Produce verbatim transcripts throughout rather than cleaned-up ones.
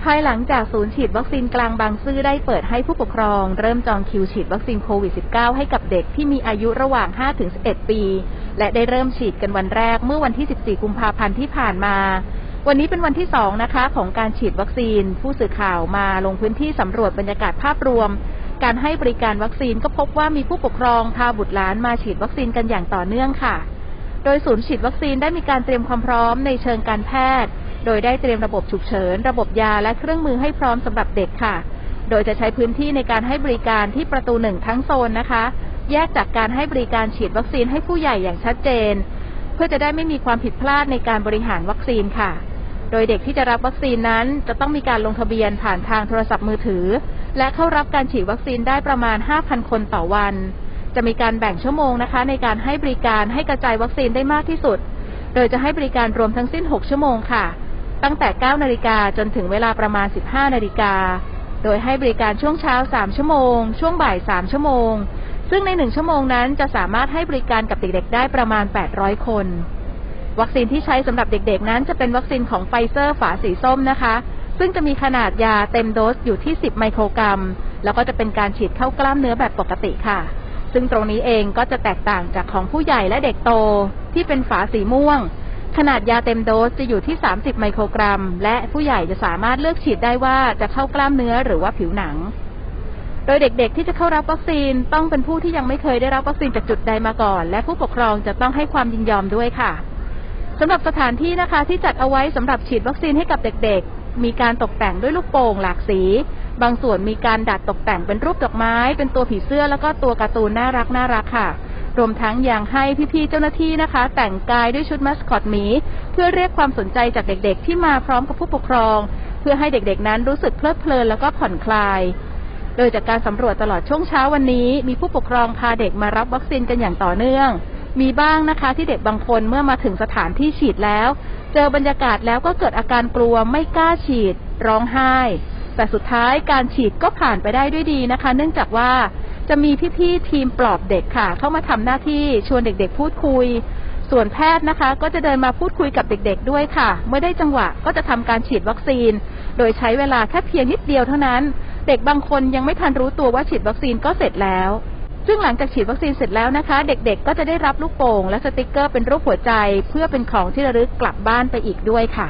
ภายหลังจากศูนย์ฉีดวัคซีนกลางบางซื่อได้เปิดให้ผู้ปกครองเริ่มจองคิวฉีดวัคซีนโควิด สิบเก้า ให้กับเด็กที่มีอายุระหว่าง ห้าถึงสิบเอ็ด ปีและได้เริ่มฉีดกันวันแรกเมื่อวันที่ สิบสี่ กุมภาพันธ์ที่ผ่านมาวันนี้เป็นวันที่สองนะคะของการฉีดวัคซีนผู้สื่อข่าวมาลงพื้นที่สำรวจบรรยากาศภาพรวมการให้บริการวัคซีนก็พบว่ามีผู้ปกครองพาบุตรหลานมาฉีดวัคซีนกันอย่างต่อเนื่องค่ะโดยศูนย์ฉีดวัคซีนได้มีการเตรียมความพร้อมในเชิงการแพทย์โดยได้เตรียมระบบฉุกเฉินระบบยาและเครื่องมือให้พร้อมสำหรับเด็กค่ะโดยจะใช้พื้นที่ในการให้บริการที่ประตูหนึ่งทั้งโซนนะคะแยกจากการให้บริการฉีดวัคซีนให้ผู้ใหญ่อย่างชัดเจนเพื่อจะได้ไม่มีความผิดพลาดในการบริหารวัคซีนค่ะโดยเด็กที่จะรับวัคซีนนั้นจะต้องมีการลงทะเบียนผ่านทางโทรศัพท์มือถือและเข้ารับการฉีดวัคซีนได้ประมาณ ห้าพัน คนต่อวันจะมีการแบ่งชั่วโมงนะคะในการให้บริการให้กระจายวัคซีนได้มากที่สุดโดยจะให้บริการรวมทั้งสิ้นหกชั่วโมงค่ะตั้งแต่ เก้านาฬิกาจนถึงเวลาประมาณ สิบห้านาฬิกาโดยให้บริการช่วงเช้าสามชั่วโมงช่วงบ่ายสามชั่วโมงซึ่งในหนึ่งชั่วโมงนั้นจะสามารถให้บริการกับเด็กๆได้ประมาณแปดร้อยคนวัคซีนที่ใช้สำหรับเด็กๆนั้นจะเป็นวัคซีนของไฟเซอร์ฝาสีส้มนะคะซึ่งจะมีขนาดยาเต็มโดสอยู่ที่สิบไมโครกรัมแล้วก็จะเป็นการฉีดเข้ากล้ามเนื้อแบบปกติค่ะซึ่งตรงนี้เองก็จะแตกต่างจากของผู้ใหญ่และเด็กโตที่เป็นฝาสีม่วงขนาดยาเต็มโดสจะอยู่ที่สามสิบไมโครกรัมและผู้ใหญ่จะสามารถเลือกฉีดได้ว่าจะเข้ากล้ามเนื้อหรือว่าผิวหนังโดยเด็กๆที่จะเข้ารับวัคซีนต้องเป็นผู้ที่ยังไม่เคยได้รับวัคซีนจากจุดใดมาก่อนและผู้ปกครองจะต้องให้ความยินยอมด้วยค่ะสำหรับสถานที่นะคะที่จัดเอาไว้สำหรับฉีดวัคซีนให้กับเด็กๆมีการตกแต่งด้วยลูกโป่งหลากสีบางส่วนมีการดัดตกแต่งเป็นรูปดอกไม้เป็นตัวผีเสื้อแล้วก็ตัวการ์ตูนน่ารักน่ารักค่ะรวมทั้งยังให้พี่ๆเจ้าหน้าที่นะคะแต่งกายด้วยชุดมัสคอตหมีเพื่อเรียกความสนใจจากเด็กๆที่มาพร้อมกับผู้ปกครองเพื่อให้เด็กๆนั้นรู้สึกเพลิดเพลินแล้วก็ผ่อนคลายโดยจากการสำรวจตลอดช่วงเช้าวันนี้มีผู้ปกครองพาเด็กมารับวัคซีนกันอย่างต่อเนื่องมีบ้างนะคะที่เด็กบางคนเมื่อมาถึงสถานที่ฉีดแล้วเจอบรรยากาศแล้วก็เกิดอาการกลัวไม่กล้าฉีดร้องไห้แต่สุดท้ายการฉีดก็ผ่านไปได้ด้วยดีนะคะเนื่องจากว่าจะมีพี่ๆทีมปลอบเด็กค่ะเข้ามาทำหน้าที่ชวนเด็กๆพูดคุยส่วนแพทย์นะคะก็จะเดินมาพูดคุยกับเด็กๆด้วยค่ะเมื่อได้จังหวะก็จะทำการฉีดวัคซีนโดยใช้เวลาแค่เพียงนิดเดียวเท่านั้นเด็กบางคนยังไม่ทันรู้ตัวว่าฉีดวัคซีนก็เสร็จแล้วซึ่งหลังจากฉีดวัคซีนเสร็จแล้วนะคะเด็กๆก็จะได้รับลูกโป่งและสติกเกอร์เป็นรูปหัวใจเพื่อเป็นของที่ระลึกกลับบ้านไปอีกด้วยค่ะ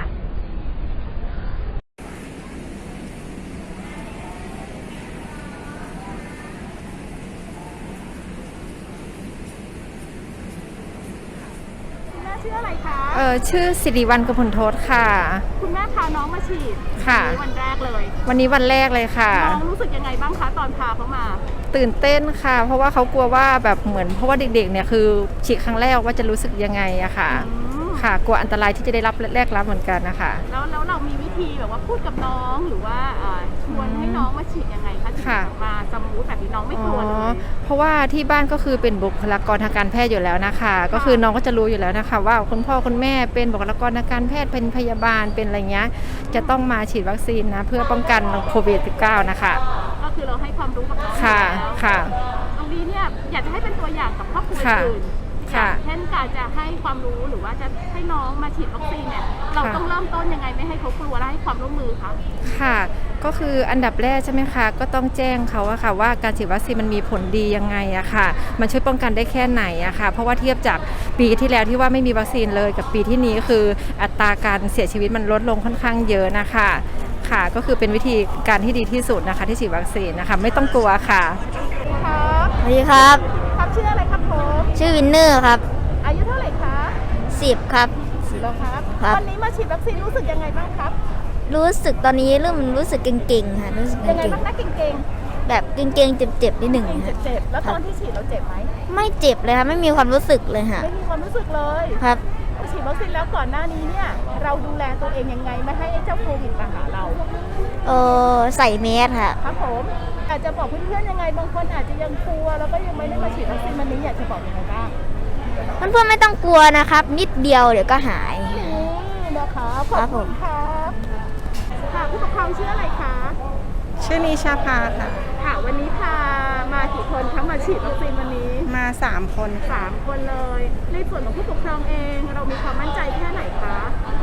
ชื่ออะไรคะเออชื่อสิริวัลย์ กมลโทษค่ะคุณแม่พาน้องมาฉีดค่ะวันแรกเลยวันนี้วันแรกเลยค่ะน้องรู้สึกยังไงบ้างคะตอนพาเขามาตื่นเต้นค่ะเพราะว่าเขากลัวว่าแบบเหมือนเพราะว่าเด็กๆเนี่ยคือฉีดครั้งแรกว่าจะรู้สึกยังไงอะค่ะค่ะกลัวอันตรายที่จะได้รับแรกรับเหมือนกันนะคะแล้วแล้วเรามีวิธีแบบว่าพูดกับน้องหรือว่าชวนให้น้องมาฉีดยังไงคะถึงมาสมูทแบบนี้น้องไม่กลัวเลยเพราะว่าที่บ้านก็คือเป็นบุคลากรทางการแพทย์อยู่แล้วนะคะก็คือน้องก็จะรู้อยู่แล้วนะคะว่าคุณพ่อคุณแม่เป็นบุคลากรทางการแพทย์เป็นพยาบาลเป็นอะไรเงี้ยจะต้องมาฉีดวัคซีนนะเพื่อป้องกันโควิด สิบเก้า นะคะก็คือเราให้ความรู้กับน้องค่ะค่ะตรงนี้เนี่ยอยากจะให้เป็นตัวอย่างกับครอบครัวอื่นเช่นการจะให้ความรู้หรือว่าจะให้น้องมาฉีดวัคซีนเนี่ยเราต้องเริ่มต้นยังไงไม่ให้เขากลัวและให้ความร่วมมือคะค่ะก็คืออันดับแรกใช่ไหมคะก็ต้องแจ้งเขาอะค่ะว่าการฉีดวัคซีนมันมีผลดียังไงอะค่ะมันช่วยป้องกันได้แค่ไหนอะค่ะเพราะว่าเทียบจากปีที่แล้วที่ว่าไม่มีวัคซีนเลยกับปีที่นี้คืออัตราการเสียชีวิตมันลดลงค่อนข้างเยอะนะคะค่ะก็คือเป็นวิธีการที่ดีที่สุดนะคะที่ฉีดวัคซีนนะคะไม่ต้องกลัวค่ะครับสวัสดีครับครับชื่ออะไรครับผมชื่อวินเนอร์ครับอายุเท่าไหร่คะสิบครับสิบแล้วครับวันนี้มาฉีดวัคซีนรู้สึกยังไงบ้างครับรู้สึกตอนนี้เริ่มรู้สึกเก่งๆค่ะรู้สึกยังไงบ้างนะเก่งๆแบบเก่งๆเจ็บๆนิดหนึ่งเจ็บๆแล้วตอนที่ฉีดเราเจ็บไหมไม่เจ็บเลยค่ะไม่มีความรู้สึกเลยค่ะไม่มีความรู้สึกเลยครับฉีดวัคซีนแล้วก่อนหน้านี้เนี่ยเราดูแลตัวเองยังไงไม่ให้เจ้าโควิดมาหาเราเออใส่แมสค่ะครับผมอาจจะบอกเพื่อนๆยังไงบางคนอาจจะยังกลัวแล้วก็ยังไม่ได้มาฉีดวัคซีนวันนี้อยากจะบอกยังไงบ้างเพื่อนๆไม่ต้องกลัวนะครับนิดเดียวเดี๋ยวก็หายนี่นะคะขอบคุณครับค่ะผู้ปกครองชื่ออะไรคะชื่อนิชาภาค่ะค่ะวันนี้พามากี่คนคะมาฉีดวัคซีนวันนี้มาสามคนสามคนเลยในส่วนของผู้ปกครองเองเรามีความมั่นใจแค่ไหนคะ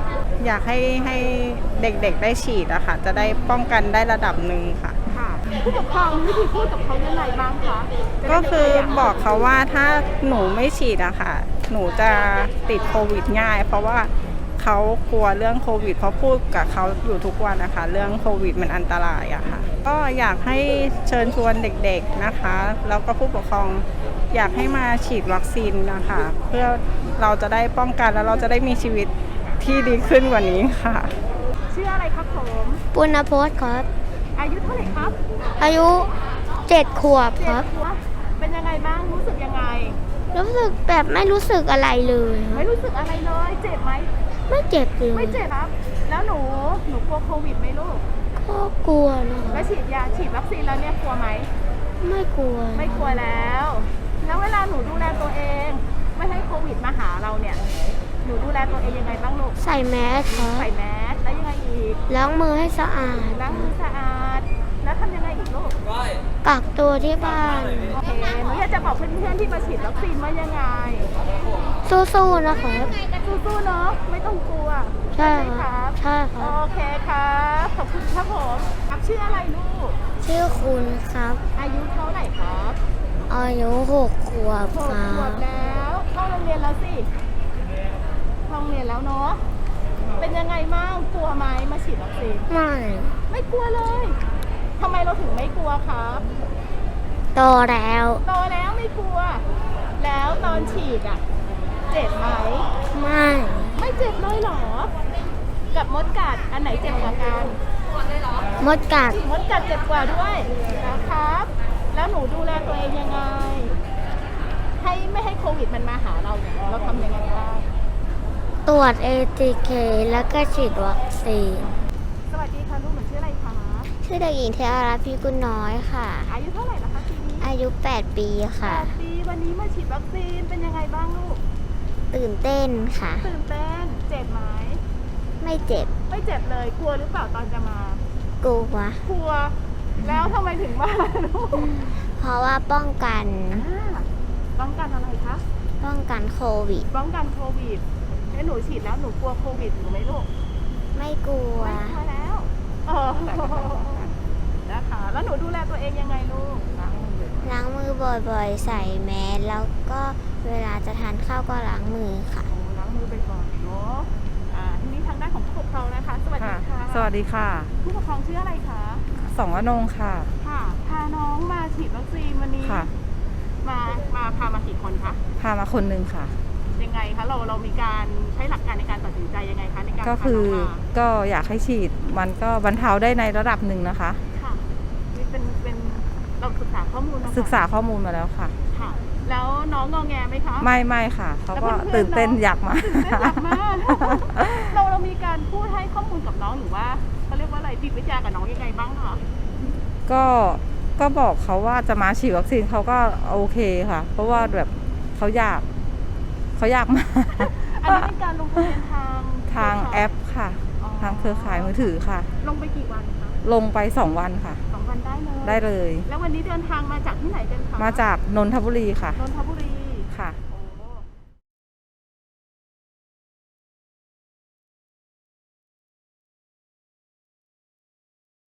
อยากให้ให้เด็กๆได้ฉีดอะค่ะ จะได้ป้องกันได้ระดับหนึ่งค่ะค่ะผู้ปกครองมีวิธีพูดกับเขายังไงบ้างคะก็คือบอกเขาว่าถ้าหนูไม่ฉีดอะค่ะ หนูจะติดโควิดง่าย เพราะว่าเขากลัวเรื่องโควิดเพราะพูดกับเขาอยู่ทุกวันนะคะเรื่องโควิดมันอันตรายอะค่ะ ก็อยากให้เชิญชวนเด็กๆนะคะ แล้วก็ผู้ปกครองอยากให้มาฉีดวัคซีนนะคะ เพื่อเราจะได้ป้องกันแล้วเราจะได้มีชีวิตที่ดีขึ้นกว่านี้ค่ะชื่ออะไรครับผมปุณณพจน์ครับอายุเท่าไหร่ครับอายุเจ็ดขวบเจ็คดรับขวบเป็นยังไงบ้างรู้สึกยังไงรู้สึกแบบไม่รู้สึกอะไรเลยคไม่รับรู้สึกอะไรเลยเจ็บไหมไม่เจ็บเลยไม่เจ็บครับ แล้วหนูหนูกลัวโควิดไหมลูกก็กลัวนะคแล้รัวบฉีดยาฉีดวัคซีนแล้วเนี่ยกลัวไหมไม่กลัวไม่กลัวแล้ว แล้วเวลาหนูดูแลตัวเอง ไม่ให้โควิดมาหาเราเนี่ย หนูดูแลตัวเองยังไงบ้างลูกใส่แมสครับใส่แมสแล้วยังไงอีกล้างมือให้สะอาดล้างมือสะอาด แล้วทำยังไงอีกลูกกักตัวที่บ้านโอเคหนูอยากจะบอกเพื่อนๆที่มาฉีดวัคซีนว่ายังไงสู้ๆนะครับสู้ๆเนาะ ไม่ต้องกลัวใช่ไหมคครัรับบ ใช่คโอรับเคครับ ขอบคุณครับผมครับชื่ออะไรลูกชื่อคุณครับอายุเท่าไหร่ครับอายุหกขวบหกครัขวบบแล้วเข้าโรงเรียนแล้วสิเข้าโรงเรียนแล้วเนาะ เป็นยังไงบ้างกลัวไหมมาฉีดวัคซีนไม่ไม่กลัวเลยทำไมเราถึงไม่กลัวครับโตแล้วโตแล้วไม่กลัว แล้วตอนฉีดอ่ะ เจ็บไหมไม่ไม่เจ็บเลยเหรอ กับมดกัดอันไหนเจ็บกว่ากันมดกัดมดกัดเจ็บกว่าด้วยนะครับ แล้วหนูดูแลตัวเองยังไง ให้ไม่ให้โควิดมันมาหาเราเนี่ยเราทำยังไงบ้างตรวจ เอ ที เค แล้วก็ฉีดวัคซีนสวัสดีค่ะลูกหนูชื่ออะไรคะชื่อเด็กหญิงเทอารัตน์พิกุลน้อยค่ะอายุเท่าไหร่นะคะปีนี้อายุ แปด ปีค่ะแปดปีวันนี้มาฉีดวัคซีนเป็นยังไงบ้างลูกตื่นเต้นค่ะตื่นเต้น เจ็บไหมไม่เจ็บไม่เจ็บเลย กลัวหรือเปล่าตอนจะมากลัวกลัว แล้วทำไมถึงมาลูกเพราะว่าป้องกันอ่าป้องกันอะไรคะป้องกันโควิดป้องกันโควิดแล้วหนูฉีดแล้วหนูกลัวโควิดหนูไหมลูกไม่กลัวไม่กลัวแล้วเออนะคะ แล้วหนูดูแลตัวเองยังไงลูกล้างมือบ่อยๆ ใส่แมส แล้วก็เวลาจะทานข้าวก็ล้างมือค่ะโอ้ล้างมือไปก่อนเนาะอ่าทีนี้ทางด้านของผู้ปกครองนะคะ สวัสดีค่ะสวัสดีค่ะผู้ปกครองชื่ออะไรคะสองอนงค่ะค่ะ พาน้องมาฉีดวัคซีนวันนี้ค่ะมา มาพามากี่คนคะพามาคนหนึ่งค่ะยังไงคะ เรา เรามีการใช้หลักการในการตัดสินใจยังไงคะในการก็พาคือน้องมาก็อยากให้ฉีดมันก็บรรเทาได้ในระดับหนึ่งนะคะค่ะนี่เป็น เป็น เราศึกษาข้อมูลมาอนศึกษาข้อมูลมาแล้วค่ะค่ะ แล้วน้องงอแงไหมคะไม่ไม่ค่ะ เขาก็แล้วเพื่อนๆตื่นเต้นน้องอยากมาตื่นเต้นอยากมา เรา เรามีการพูดให้ข้อมูลกับน้องหรือว่าเขาเรียกว่าอะไรจิตวิทยากับน้องยังไงบ้างคะก็ก็บอกเขาว่าจะมาฉีดวัคซีนเขาก็โอเคค่ะ เพราะว่าแบบเขาอยากเขาอยากมาอันนี้เป็นการลงทะเบียนทางทางแอปค่ะอ๋อทางเครือข่ายมือถือค่ะลงไปกี่วันคะลงไปสองวันค่ะสองวันได้เลยได้เลยแล้ววันนี้เดินทางมาจากที่ไหนกันคะมาจากนนทบุรีค่ะนนทบุรี